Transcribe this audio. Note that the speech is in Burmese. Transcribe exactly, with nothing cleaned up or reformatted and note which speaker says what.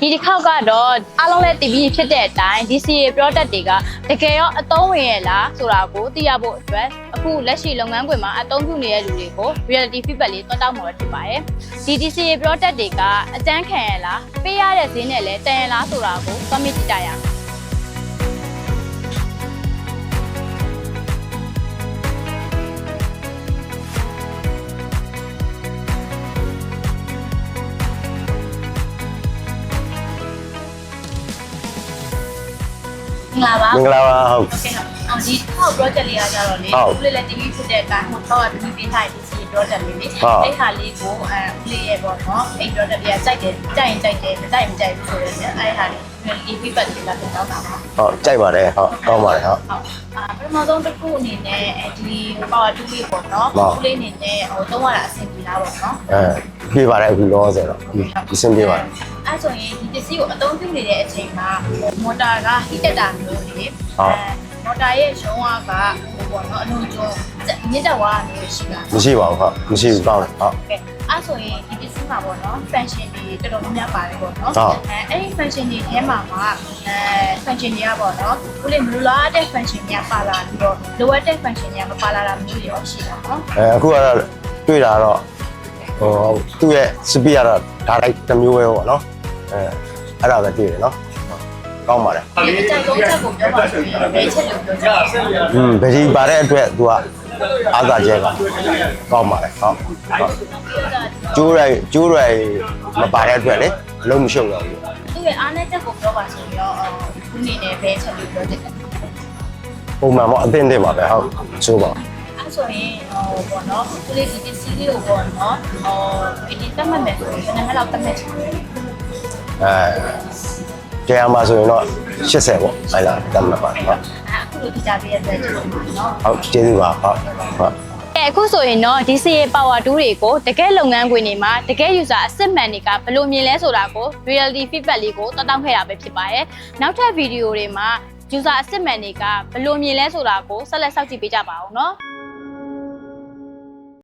Speaker 1: ဒီတစ်ခေါက်ကတော့အားလုံးလည်းတည်ပြီးဖြစ်တဲ့အတိုင်း ဒီ စီ အေ product တွေကတကယ်ရောအသုံးဝင်ရလားဆိုတာကိုသိရဖို့အတွက်အခုလက်ရှိလုပ်ငန်းခွင်မှာအသုံးပြုနေတဲ့လူတွေကို reality feedback လေးတွက်တောက်မှာဖြစ်ပါတယ်ဒီ ဒီ စီ အေ product တွေကအကျန်းခံရလားပေးရတဲ့ဈေးနဲ့လည်းတန်ရလားဆိုတာကိုသွားမြင်ကြည့်ကြရအောင်မင်္ဂလာပါ
Speaker 2: မင်္ဂလာပါဟုတ်
Speaker 1: โอเคဟုတ်အော်ဒီထောက် project လေးကကြတော့လေဦးလေးလည်း တီ ဗီ ဖြစ်တဲ့အတိုင်းဟိုတော့ တီ ဗီ ပေးထားတဲ့ ဒီ စီ အေ project လေးလေအဲ့ဟာလေးကိုအဲဦးလေးရဲ့ပေါ့နော်အဲ့ project လေးကကြိုက်တယ်ကြိုက်ရင်ကြိုက်တယ်မကြိုက်ရင်မကြိုက်ဘူးဆိုတော့အဲ့ဟာလေး reality feedback လေးလာပြန်တော့တာပါ
Speaker 2: ဟုတ်ကြိုက်ပါတယ်ဟုတ်ကောင်းပါတယ်ဟုတ်
Speaker 1: ဟုတ်အာပထမဆုံးတစ်ခုအနေနဲ့ဒီ power tool လေးပေါ့နော်ဦးလေးအနေနဲ့ဟိုသုံးရတာအဆင်ပြေလားပေါ့နော်
Speaker 2: အဲပြေးပါတယ်အခုလောဆယ်တော့ဒီစင်ပြေပါတယ်
Speaker 1: အဲ့ဆိုရင်ဒီပစ္စည်းကိုအသုံးပြုနေတဲ့အချိန်မှာမော်တာကဟီတက်တာမျိုးလေအဲမော်တာရဲ့ရုံးအားကဟိုပေါ့နော်အလုံးကျုံမြင့်တက်သွားတာမျိုးရှိတာ
Speaker 2: မရှိပါဘူးဟုတ်မရှိဘူးကောင်းတယ်ဟုတ်
Speaker 1: ကဲအဲ့ဆိုရင်ဒီပစ္စည်းမှာပေါ့နော် function တွေတော်တော်များများပါတယ်ပေါ့နော်
Speaker 2: ဟုတ်
Speaker 1: အဲအဲ့ဒီ function တွေထဲမှာမှာအဲ function တွေကပေါ့နော်ဦးလေးမလိုလားတဲ့ function တွေကပါလာပြီးတော့လိုအပ်တဲ့ function တွေကမပါလာတာမျိုးတွေရောရှိတာနော်
Speaker 2: အဲအခုကတော့တွေ့တာတော့ဟိုသူ့ရဲ့စပီကတော့ဒါလိုက်တစ်မျိုးပဲပေါ့နော်အဲအဲ့ဒါပဲတွေ့တယ်နော်ကောင်းပါတယ်
Speaker 1: ဒီအကြိုက်ဆုံးချက်ကိုပြောပါဆိုရင်ဘယ်ချက်လို့ပြောချင်လဲ
Speaker 2: อืมဗကြီးပါတဲ့အတွက်သူကအားသာကျဲကကောင်းပါတယ်ဟုတ်ကျိုးရိုက်ကျိုးရိုက်မပါတဲ့အတွက်လေအလုံးမရှုပ်တော့ဘူး
Speaker 1: သူ့ရဲ့အားနည်းချက်ကိုပြောပါဆိုရင်ရောခုနေနဲ့ဘယ်ချက်လို့ပြောချင်လဲ
Speaker 2: ပုံမှန်ပေါ့အသင့်တင်ပါပဲဟုတ်ဆိုပါ
Speaker 1: အဲ့ဆိုရင်ဟိုပေါ့နော်သူလေးဒီပစ္စည်းလေးကိုပေါ့နော်ဟိုဒီတက်မှတ်မယ်ဆိုရင်ဘယ်နှခါလောက်တက်မှတ်ချင်လဲ
Speaker 2: အဲတရားမှာဆိုရင်တော့ရှစ်ဆယ်ပေါ့အဲ့လားတတ်မှတ်ပါဟုတ်
Speaker 1: အခုလိုဒီကြပေးရတဲ့ချက်ပေါ့နော်
Speaker 2: ဟုတ်ကျေးဇူးပါဟုတ်ဟုတ်
Speaker 1: အဲအခုဆိုရင်တော့ ဒီ စီ အေ power tool တွေကိုတကယ်လုပ်ငန်းခွင်တွေမှာတကယ် user အစစ်မှန်တွေကဘယ်လိုမြင်လဲဆိုတာကို reality feedback လေးကိုတောက်တောက်ခဲ့တာပဲဖြစ်ပါတယ်နောက်ထပ်ဗီဒီယိုတွေမှာ user အစစ်မှန်တွေကဘယ်လိုမြင်လဲဆိုတာကိုဆက်လက်စောင့်ကြည့်ပေးကြပါဦးเนาะ